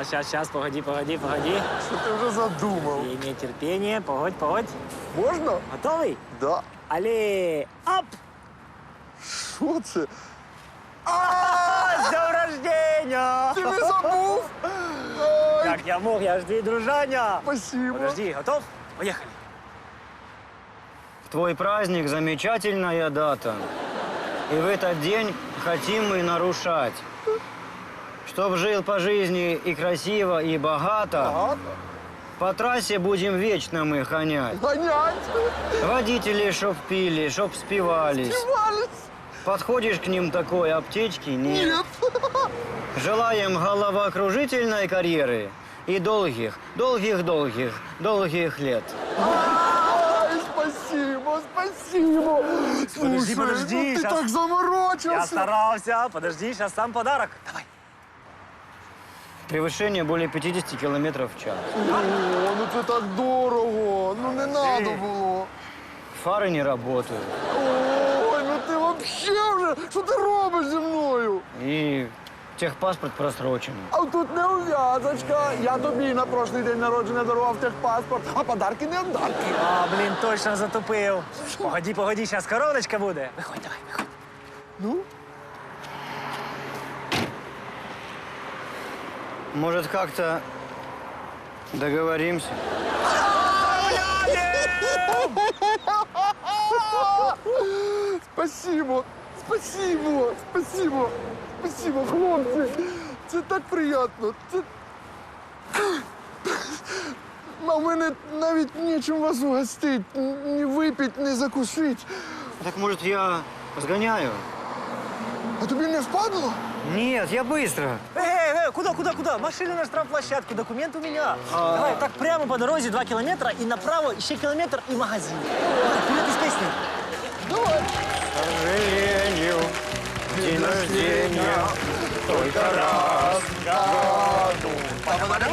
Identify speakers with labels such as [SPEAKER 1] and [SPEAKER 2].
[SPEAKER 1] Сейчас, погоди.
[SPEAKER 2] Що ти вже задумав?
[SPEAKER 1] Имей терпение, погодь.
[SPEAKER 2] Можна?
[SPEAKER 1] Готовый?
[SPEAKER 2] Да.
[SPEAKER 1] Али, оп!
[SPEAKER 2] Що це?
[SPEAKER 1] С днем рождения!
[SPEAKER 2] Ти не забув?
[SPEAKER 1] Как я мог, я ж твій дружаня.
[SPEAKER 2] Спасибо.
[SPEAKER 1] Подожди, готов? Поехали.
[SPEAKER 3] Твой праздник – замечательная дата. И в этот день хотим мы нарушать. Чтоб жил по жизни и красиво, и богато,
[SPEAKER 2] Ага.
[SPEAKER 3] по трассе будем вечно мы гонять.
[SPEAKER 2] Гонять.
[SPEAKER 3] Водители, чтоб пили, чтоб спивались.
[SPEAKER 2] Співались.
[SPEAKER 3] Подходишь к ним такой, аптечки нет.
[SPEAKER 2] Нет.
[SPEAKER 3] Желаем головокружительной карьеры и долгих лет.
[SPEAKER 2] Ай, спасибо. Слушай,
[SPEAKER 1] подожди,
[SPEAKER 2] ну ти
[SPEAKER 1] щас.
[SPEAKER 2] так заморочився.
[SPEAKER 1] Я старался. Подожди, сейчас сам подарок. Давай.
[SPEAKER 3] Превышение более 50 километров в час.
[SPEAKER 2] О, ну це так дорого. Ну не надо було.
[SPEAKER 3] Фары не работают.
[SPEAKER 2] Ой, ну ти вообще вже, що ти робиш зі мною?
[SPEAKER 3] И техпаспорт просрочен.
[SPEAKER 2] А тут не ув'язочка. Я тобі на прошлий день народження дарував техпаспорт, а подарки не отдарки.
[SPEAKER 1] А, блин, точно затупив. Погоди, сейчас короночка буде. Виходь, давай, виходь.
[SPEAKER 2] Ну?
[SPEAKER 3] Может, как-то договоримся?
[SPEAKER 2] Спасибо, хлопці. Це так приємно. А в мене навіть нічим вас угостить. Ні випить, ні закусить.
[SPEAKER 3] Так, может, я сгоняю?
[SPEAKER 2] А тобі не впадло?
[SPEAKER 3] Нет, я быстро.
[SPEAKER 1] Куда? Машина на штрафплощадку, документ у меня. Давай, так прямо по дороге 2 километра и направо еще километр и магазин. Вперед из песни.
[SPEAKER 2] Давай.
[SPEAKER 3] К сожалению, день рождения только раз в году.